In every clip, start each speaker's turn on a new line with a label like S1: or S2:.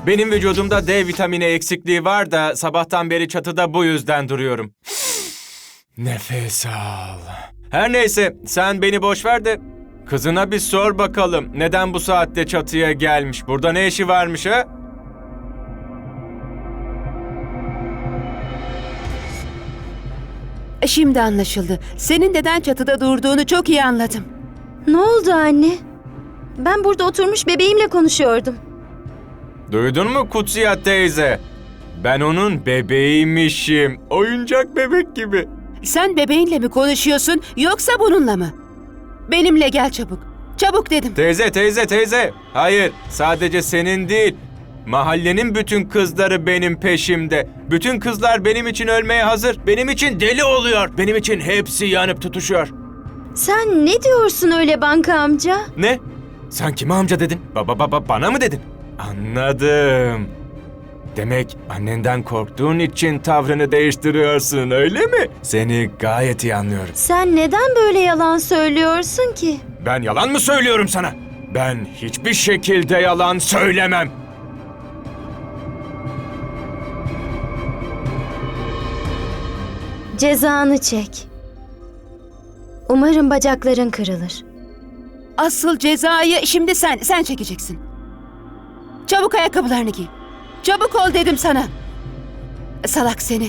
S1: Benim vücudumda D vitamini eksikliği var da sabahtan beri çatıda bu yüzden duruyorum. Nefes al. Her neyse, sen beni boş ver de kızına bir sor bakalım. Neden bu saatte çatıya gelmiş? Burada ne işi varmış ha?
S2: Şimdi anlaşıldı. Senin neden çatıda durduğunu çok iyi anladım.
S3: Ne oldu anne? Ben burada oturmuş bebeğimle konuşuyordum.
S1: Duydun mu Kutsiya teyze? Ben onun bebeğiymişim. Oyuncak bebek gibi.
S2: Sen bebeğinle mi konuşuyorsun yoksa bununla mı? Benimle gel çabuk. Çabuk dedim.
S1: Teyze. Hayır, sadece senin değil. Mahallenin bütün kızları benim peşimde. Bütün kızlar benim için ölmeye hazır. Benim için deli oluyor. Benim için hepsi yanıp tutuşuyor.
S3: Sen ne diyorsun öyle banka amca?
S1: Ne? Sen kime amca dedin? Bana mı dedin? Anladım. Demek annenden korktuğun için tavrını değiştiriyorsun, öyle mi? Seni gayet iyi anlıyorum.
S3: Sen neden böyle yalan söylüyorsun ki?
S1: Ben yalan mı söylüyorum sana? Ben hiçbir şekilde yalan söylemem.
S3: Cezanı çek. Umarım bacakların kırılır.
S2: Asıl cezayı şimdi sen çekeceksin. Çabuk ayakkabılarını giy. Çabuk ol dedim sana. Salak seni.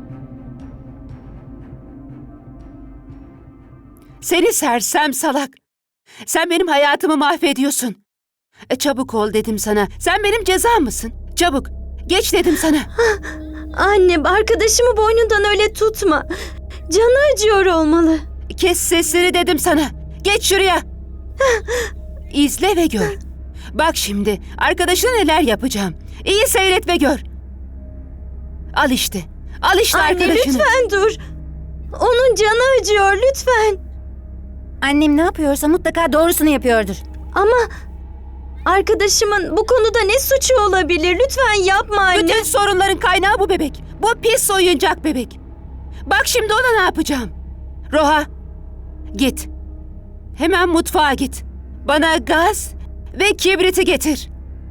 S2: Seni sersem salak. Sen benim hayatımı mahvediyorsun. Çabuk ol dedim sana. Sen benim cezam mısın? Çabuk. Geç dedim sana.
S3: Anne, arkadaşımı boynundan öyle tutma. Canı acıyor olmalı.
S2: Kes sesleri dedim sana. Geç şuraya. İzle ve gör. Bak şimdi arkadaşına neler yapacağım. İyi seyret ve gör. Al işte. Al işte
S3: Anne
S2: arkadaşını.
S3: lütfen dur. Onun canı acıyor lütfen.
S4: Annem ne yapıyorsa mutlaka doğrusunu yapıyordur.
S3: Ama arkadaşımın bu konuda ne suçu olabilir? Lütfen yapma anne.
S2: Bütün sorunların kaynağı bu bebek. Bu pis oyuncak bebek. Bak şimdi ona ne yapacağım. Roha, git. Hemen mutfağa git. Bana gaz ve kibriti getir.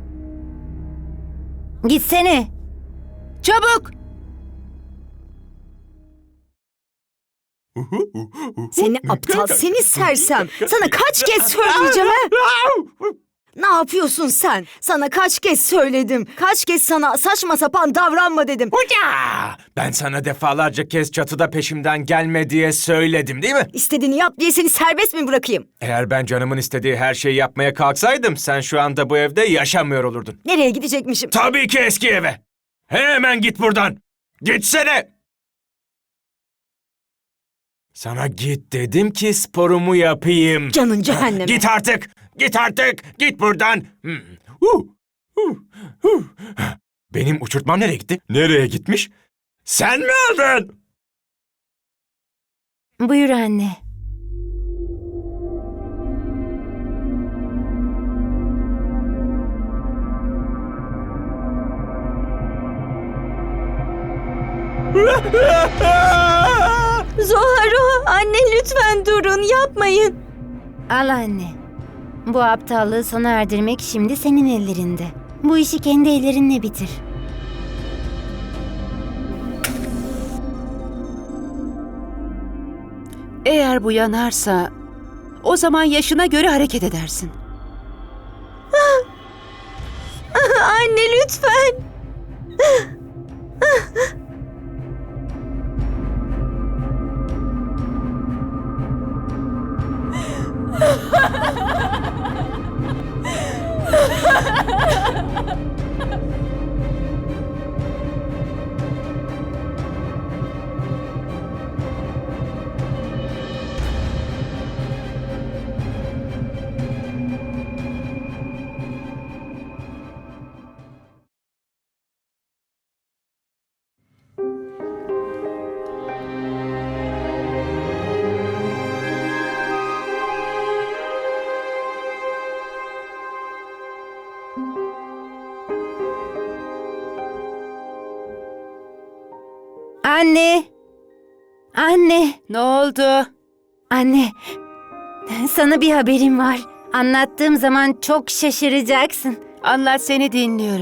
S4: Gitsene.
S2: Çabuk.
S4: Seni aptal, seni sersem. Sana kaç kez söyleyeceğim ha? Ne yapıyorsun sen? Sana kaç kez söyledim. Kaç kez sana saçma sapan davranma dedim.
S1: Hoca! Ben sana defalarca kez çatıda peşimden gelme diye söyledim, değil mi?
S4: İstediğini yap diye seni serbest mi bırakayım?
S1: Eğer ben canımın istediği her şeyi yapmaya kalksaydım sen şu anda bu evde yaşamıyor olurdun.
S4: Nereye gidecekmişim?
S1: Tabii ki eski eve. Hemen git buradan. Gitsene. Sana git dedim ki sporumu yapayım.
S4: Canın cehenneme.
S1: Git artık. Git artık. Git buradan. Benim uçurtmam nereye gitti? Nereye gitmiş? Sen mi aldın?
S4: Buyur anne.
S3: Zoharo, anne lütfen durun, yapmayın.
S4: Al anne. Bu aptallığı sona erdirmek şimdi senin ellerinde. Bu işi kendi ellerinle bitir.
S2: Eğer bu yanarsa o zaman yaşına göre hareket edersin.
S3: Anne lütfen.
S4: Anne! Anne!
S2: Ne oldu?
S4: Anne! Sana bir haberim var. Anlattığım zaman çok şaşıracaksın.
S2: Anlat, seni dinliyorum.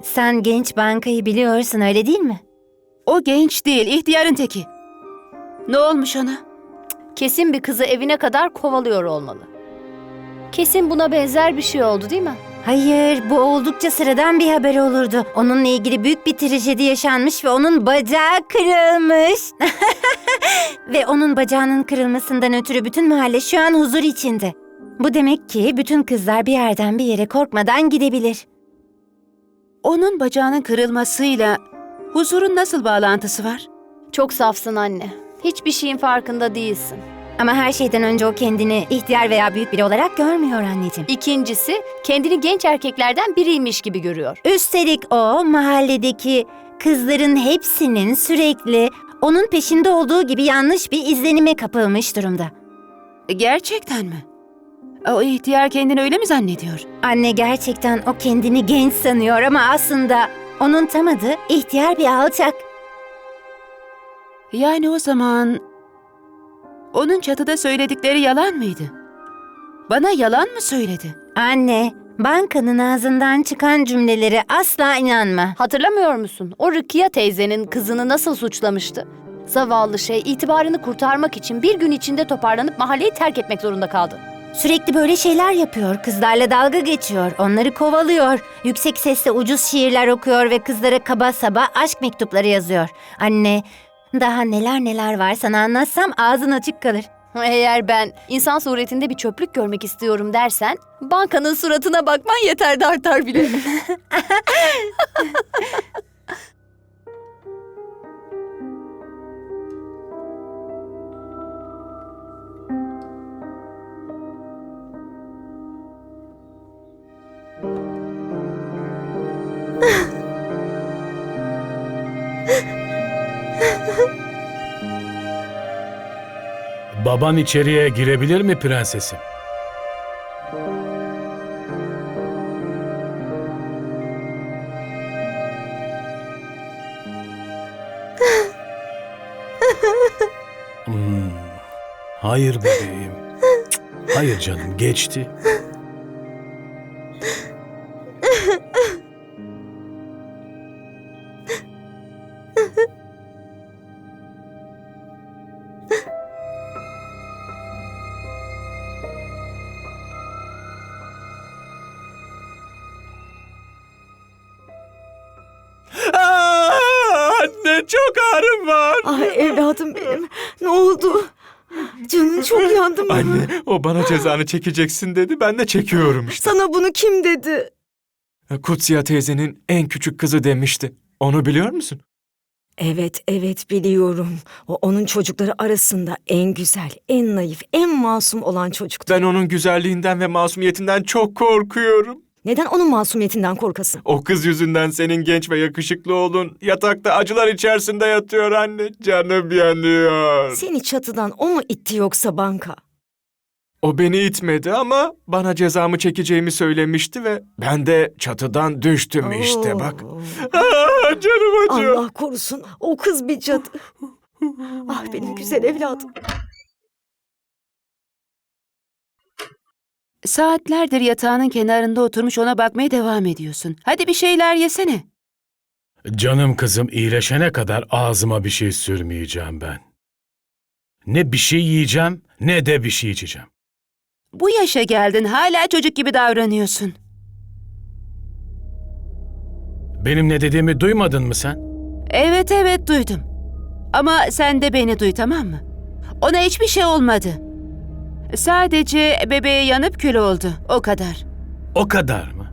S5: Sen genç bankayı biliyorsun öyle değil mi?
S2: O genç değil, ihtiyarın teki. Ne olmuş ona?
S6: Kesin bir kızı evine kadar kovalıyor olmalı. Kesin buna benzer bir şey oldu değil mi?
S5: Hayır, bu oldukça sıradan bir haber olurdu. Onunla ilgili büyük bir trajedi yaşanmış ve onun bacağı kırılmış. Ve onun bacağının kırılmasından ötürü bütün mahalle şu an huzur içinde. Bu demek ki bütün kızlar bir yerden bir yere korkmadan gidebilir.
S2: Onun bacağının kırılmasıyla huzurun nasıl bağlantısı var?
S6: Çok safsın anne. Hiçbir şeyin farkında değilsin.
S5: Ama her şeyden önce o kendini ihtiyar veya büyük biri olarak görmüyor anneciğim.
S6: İkincisi, kendini genç erkeklerden biriymiş gibi görüyor.
S5: Üstelik o mahalledeki kızların hepsinin sürekli onun peşinde olduğu gibi yanlış bir izlenime kapılmış durumda.
S2: Gerçekten mi? O ihtiyar kendini öyle mi zannediyor?
S5: Anne gerçekten o kendini genç sanıyor ama aslında onun tam adı ihtiyar bir alçak.
S2: Yani o zaman onun çatıda söyledikleri yalan mıydı? Bana yalan mı söyledi?
S5: Anne, bankanın ağzından çıkan cümlelere asla inanma.
S6: Hatırlamıyor musun? O Rukiye teyzenin kızını nasıl suçlamıştı? Zavallı şey itibarını kurtarmak için bir gün içinde toparlanıp mahalleyi terk etmek zorunda kaldı.
S5: Sürekli böyle şeyler yapıyor, kızlarla dalga geçiyor, onları kovalıyor. Yüksek sesle ucuz şiirler okuyor ve kızlara kaba saba aşk mektupları yazıyor. Anne, daha neler neler var sana anlatsam ağzın açık kalır.
S6: Eğer ben insan suretinde bir çöplük görmek istiyorum dersen, bankanın suratına bakman yeter de artar bile.
S7: Baban içeriye girebilir mi prensesim? Hmm, Hayır bebeğim. Hayır canım, geçti.
S1: Anne, çok ağrım var.
S4: Ay evladım benim. Ne oldu? Canın çok yandı mı?
S1: Anne, o bana cezanı çekeceksin dedi. Ben de çekiyorum işte.
S4: Sana bunu kim dedi?
S1: Kutsiya teyzenin en küçük kızı demişti. Onu biliyor musun?
S4: Evet, evet biliyorum. O onun çocukları arasında en güzel, en naif, en masum olan çocuktu.
S1: Ben onun güzelliğinden ve masumiyetinden çok korkuyorum.
S4: Neden onun masumiyetinden korkasın?
S1: O kız yüzünden senin genç ve yakışıklı oğlun yatakta acılar içerisinde yatıyor anne. Canım yanıyor.
S4: Seni çatıdan o mu itti yoksa banka?
S1: O beni itmedi ama bana cezamı çekeceğimi söylemişti ve ben de çatıdan düştüm işte bak.
S4: Oo.
S1: Canım acıyor.
S4: Allah korusun. O kız bir cadı. Ah benim güzel evladım.
S2: Saatlerdir yatağının kenarında oturmuş ona bakmaya devam ediyorsun. Hadi bir şeyler yesene.
S7: Canım kızım iyileşene kadar ağzıma bir şey sürmeyeceğim ben. Ne bir şey yiyeceğim ne de bir şey içeceğim.
S2: Bu yaşa geldin hala çocuk gibi davranıyorsun.
S7: Benim ne dediğimi duymadın mı sen?
S2: Evet evet duydum. Ama sen de beni duy tamam mı? Ona hiçbir şey olmadı. Sadece bebeğe yanıp kül oldu o kadar.
S7: O kadar mı?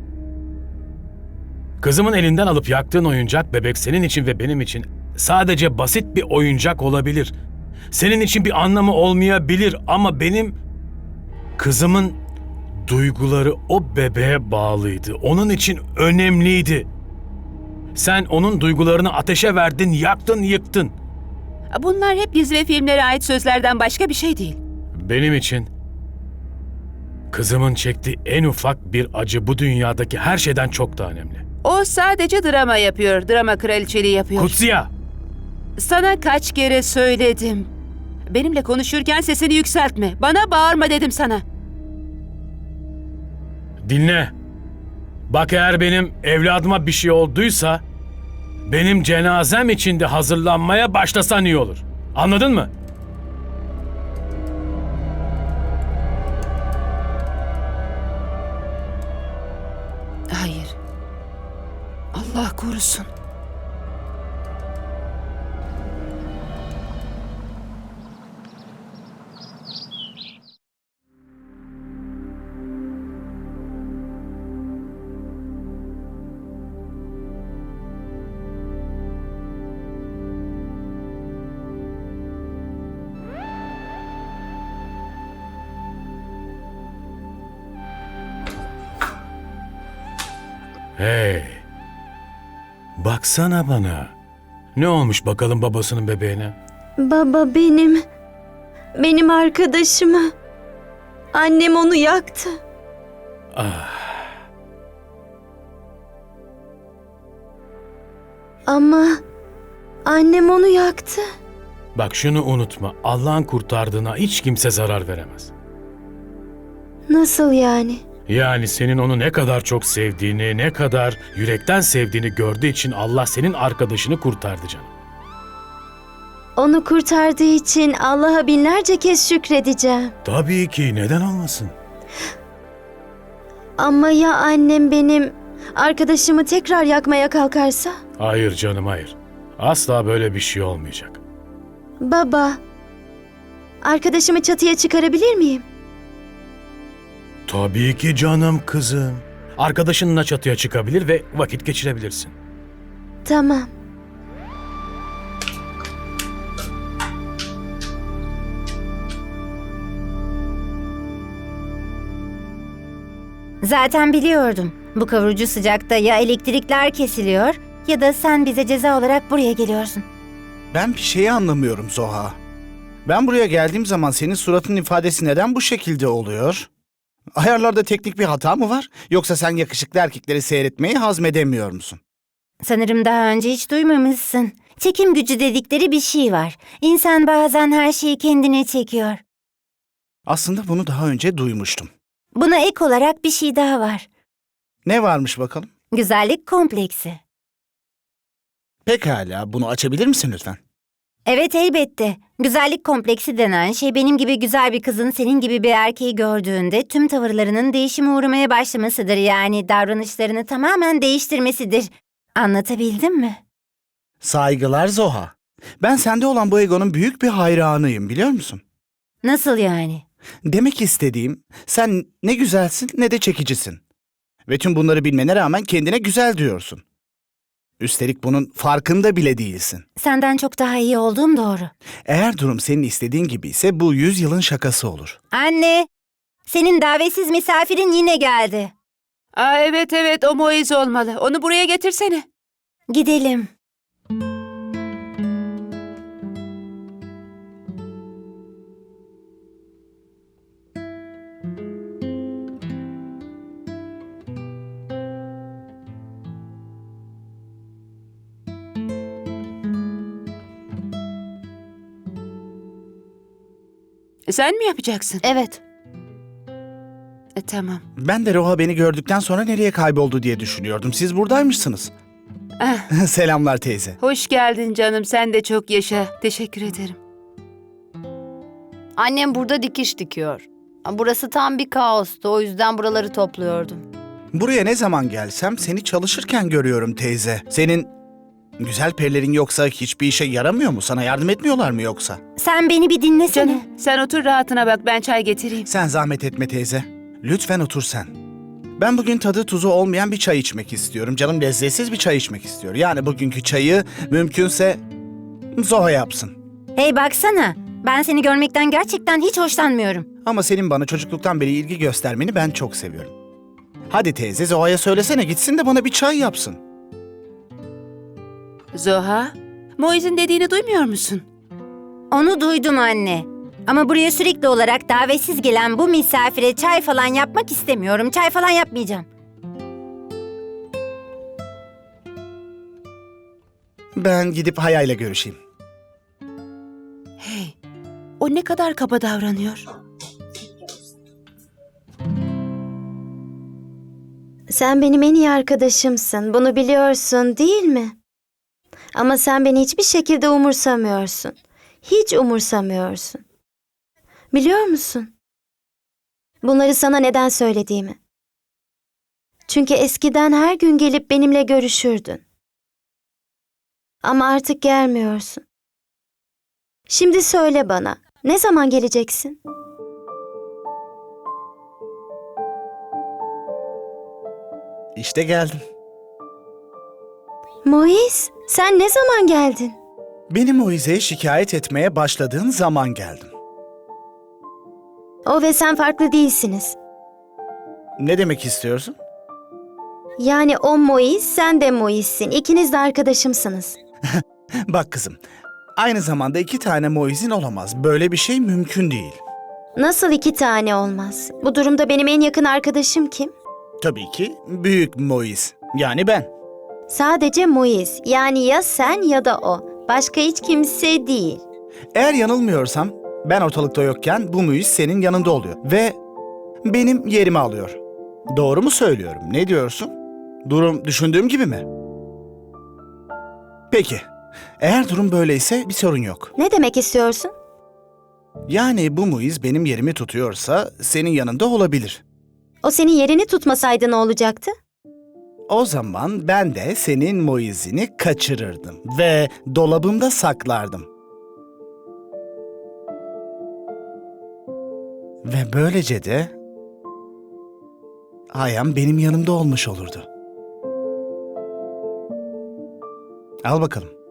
S7: Kızımın elinden alıp yaktığın oyuncak bebek senin için ve benim için sadece basit bir oyuncak olabilir. Senin için bir anlamı olmayabilir ama benim kızımın duyguları o bebeğe bağlıydı. Onun için önemliydi. Sen onun duygularını ateşe verdin, yaktın, yıktın.
S2: Bunlar hep dizi ve filmlere ait sözlerden başka bir şey değil.
S7: Benim için kızımın çektiği en ufak bir acı bu dünyadaki her şeyden çok daha önemli.
S2: O sadece drama yapıyor, drama kraliçeliği yapıyor.
S7: Kutsiya!
S2: Sana kaç kere söyledim. Benimle konuşurken sesini yükseltme. Bana bağırma dedim sana.
S7: Dinle. Bak eğer benim evladıma bir şey olduysa benim cenazem için de hazırlanmaya başlasan iyi olur. Anladın mı?
S2: Hayır. Allah korusun.
S7: Hey. Baksana bana. Ne olmuş bakalım babasının bebeğine?
S3: Baba benim arkadaşımı. Annem onu yaktı. Ama annem onu yaktı.
S7: Bak şunu unutma. Allah'ın kurtardığına hiç kimse zarar veremez.
S3: Nasıl yani?
S7: Yani senin onu ne kadar çok sevdiğini, ne kadar yürekten sevdiğini gördüğü için Allah senin arkadaşını kurtardı canım.
S3: Onu kurtardığı için Allah'a binlerce kez şükredeceğim.
S7: Tabii ki, neden olmasın?
S3: Ama ya annem benim arkadaşımı tekrar yakmaya kalkarsa?
S7: Hayır canım, hayır. Asla böyle bir şey olmayacak.
S3: Baba, arkadaşımı çatıya çıkarabilir miyim?
S7: Tabii ki canım kızım. Arkadaşınla çatıya çıkabilir ve vakit geçirebilirsin.
S3: Tamam.
S5: Zaten biliyordum. Bu kavurucu sıcakta ya elektrikler kesiliyor ya da sen bize ceza olarak buraya geliyorsun.
S8: Ben bir şeyi anlamıyorum Zoha. Ben buraya geldiğim zaman senin suratın ifadesi neden bu şekilde oluyor? Ayarlarda teknik bir hata mı var? Yoksa sen yakışıklı erkekleri seyretmeyi hazmedemiyor musun?
S5: Sanırım daha önce hiç duymamışsın. Çekim gücü dedikleri bir şey var. İnsan bazen her şeyi kendine çekiyor.
S8: Aslında bunu daha önce duymuştum.
S5: Buna ek olarak bir şey daha var.
S8: Ne varmış bakalım?
S5: Güzellik kompleksi.
S8: Pekala, bunu açabilir misin lütfen?
S5: Evet, elbette. Güzellik kompleksi denen şey benim gibi güzel bir kızın senin gibi bir erkeği gördüğünde tüm tavırlarının değişime uğramaya başlamasıdır. Yani davranışlarını tamamen değiştirmesidir. Anlatabildim mi?
S8: Saygılar Zoha. Ben sende olan bu egonun büyük bir hayranıyım, biliyor musun?
S5: Nasıl yani?
S8: Demek istediğim, sen ne güzelsin ne de çekicisin. Ve tüm bunları bilmene rağmen kendine güzel diyorsun. Üstelik bunun farkında bile değilsin.
S5: Senden çok daha iyi olduğum doğru.
S8: Eğer durum senin istediğin gibi ise bu 100 yılın şakası olur.
S5: Anne, senin davetsiz misafirin yine geldi.
S2: Aa, evet o Moiz olmalı. Onu buraya getirsene.
S5: Gidelim.
S2: Sen mi yapacaksın?
S6: Evet.
S2: Tamam.
S8: Ben de Roha beni gördükten sonra nereye kayboldu diye düşünüyordum. Siz buradaymışsınız.
S2: Ah,
S8: Selamlar teyze.
S2: hoş geldin canım. Sen de çok yaşa. Teşekkür ederim.
S6: Annem burada dikiş dikiyor. Burası tam bir kaostu. O yüzden buraları topluyordum.
S8: Buraya ne zaman gelsem seni çalışırken görüyorum teyze. Senin güzel perilerin yoksa hiçbir işe yaramıyor mu? Sana yardım etmiyorlar mı yoksa?
S5: Sen beni bir dinlesene.
S2: Canım sen otur rahatına bak. Ben çay getireyim.
S8: Sen zahmet etme teyze. Lütfen otur sen. Ben bugün tadı tuzu olmayan bir çay içmek istiyorum. Canım lezzetsiz bir çay içmek istiyor. Yani bugünkü çayı mümkünse Zoha yapsın.
S5: Hey baksana. Ben seni görmekten gerçekten hiç hoşlanmıyorum.
S8: Ama senin bana çocukluktan beri ilgi göstermeni ben çok seviyorum. Hadi teyze Zoha'ya söylesene gitsin de bana bir çay yapsın.
S2: Zoha, Moiz'in dediğini duymuyor musun?
S5: Onu duydum anne. Ama buraya sürekli olarak davetsiz gelen bu misafire çay falan yapmak istemiyorum. Çay falan yapmayacağım.
S8: Ben gidip Haya'yla görüşeyim.
S2: Hey, o ne kadar kaba davranıyor.
S3: Sen benim en iyi arkadaşımsın. Bunu biliyorsun, değil mi? Ama sen beni hiçbir şekilde umursamıyorsun. Hiç umursamıyorsun. Biliyor musun? Bunları sana neden söylediğimi. Çünkü eskiden her gün gelip benimle görüşürdün. Ama artık gelmiyorsun. Şimdi söyle bana, ne zaman geleceksin?
S8: İşte geldim.
S3: Moiz, sen ne zaman geldin?
S8: Benim Moise'ye şikayet etmeye başladığın zaman geldim.
S3: O ve sen farklı değilsiniz.
S8: Ne demek istiyorsun?
S3: Yani o Moiz, sen de Moiz'sin. İkiniz de arkadaşımsınız.
S8: Bak kızım, aynı zamanda 2 tane Moise'in olamaz. Böyle bir şey mümkün değil.
S3: Nasıl 2 tane olmaz? Bu durumda benim en yakın arkadaşım kim?
S8: Tabii ki büyük Moise, yani ben.
S3: Sadece Moiz. Yani ya sen ya da o. Başka hiç kimse değil.
S8: Eğer yanılmıyorsam ben ortalıkta yokken bu Moise senin yanında oluyor ve benim yerimi alıyor. Doğru mu söylüyorum? Ne diyorsun? Durum düşündüğüm gibi mi? Peki, eğer durum böyleyse bir sorun yok.
S3: Ne demek istiyorsun?
S8: Yani bu Moise benim yerimi tutuyorsa senin yanında olabilir.
S3: O senin yerini tutmasaydı ne olacaktı?
S8: O zaman ben de senin Moise'ini kaçırırdım ve dolabımda saklardım. Ve böylece de Ayhan benim yanımda olmuş olurdu. Al bakalım.